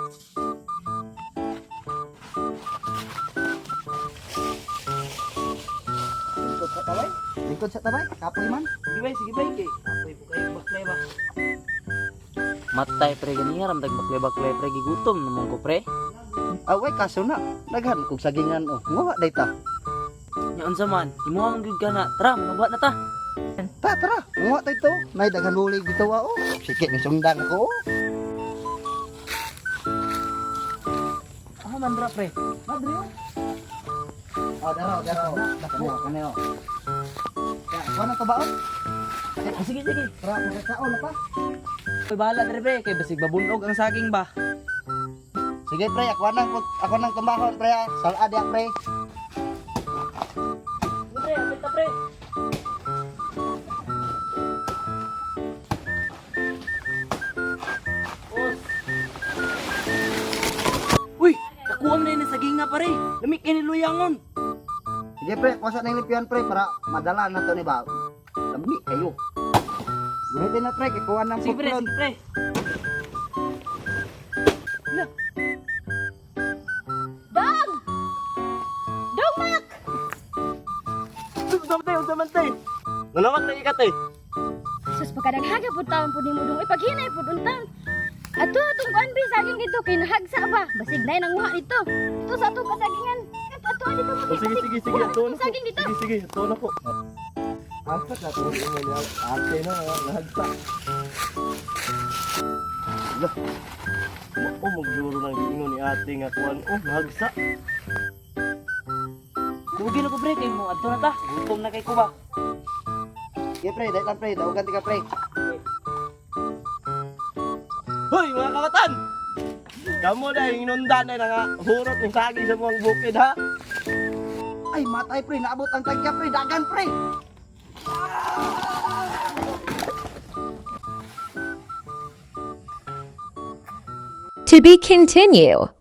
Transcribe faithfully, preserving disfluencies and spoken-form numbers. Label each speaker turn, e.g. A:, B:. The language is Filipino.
A: Lingkod sa tabay. Lingkod sa tabay. Kapoy man.
B: Sige bay, sige bay kay. Apoy po kayo baklay ba.
C: Matay pre ganiya ram baklay-baklay pre gigutom naman ko pre.
A: Away kaso na. Daghan kog sagingan oh. Nguha day ta.
C: Nya unsa man? Imuha man gyud kana. Tara, manuba na ta.
A: Ta tara. Nguha tay to. Nay daghan huli dito wa oh. Sige ni sundan ako. Oh.
C: Ah, man ra pre.
A: Madre. Oh, daro, daro. Kaneo, kaneo. Ya, kuha na to ba oh?
C: Ah, sige sige.
A: Tara, magkaon na pa.
C: Koy bahala dire pre kay basig babunog ang saging ba.
A: Sige pre, ako nang ako nang tumbahon pre. Salad ya pre.
C: Pre, apit ta pre. Os. Uy, nakuha mo na yun ang saging nga pare. Lamig kayo ni Luyangon.
A: Sige pre, kuha sa nang lipian pre para madala na to ni ba. Lambi kayo. Gunitin na pre, kuha nang
C: Sige pre,
A: putlon.
C: sige pre.
D: Dong! Dong, Mak!
C: Unsa man tay, unsa man tay. Nanamak na ikat eh.
D: Sus, pagkadaghaga po taon po ni mo dong. Ipaghinay po untang. Ato, itong kuan bi, saging dito. Kinahagsa ba? Basig na yung nanguha dito. Ito sa ato kasagingan. Ato, ato, dito mo.
B: Oh, sige sige sige, ato na ko.
D: Saging dito.
B: Sige sige, ato na ko. Apat na to mo niya. Ate na nahagsa. Lah. Oh, magjuro ng gingon ni ate nga kuan. Oh, nahagsa.
C: Dugi na ko pre kay mo adto na ta. Gutom na kay ko ba.
A: Sige pre, dahil lang pre, dawagan ti ka pre.
B: Hoy, mga kawatan! Kamu na yung inundan na nga hurot ng sagi sa mga bukid ha?
A: Ay, matay pre, naabot ang tagya pre, dagan pre.
E: To be continued.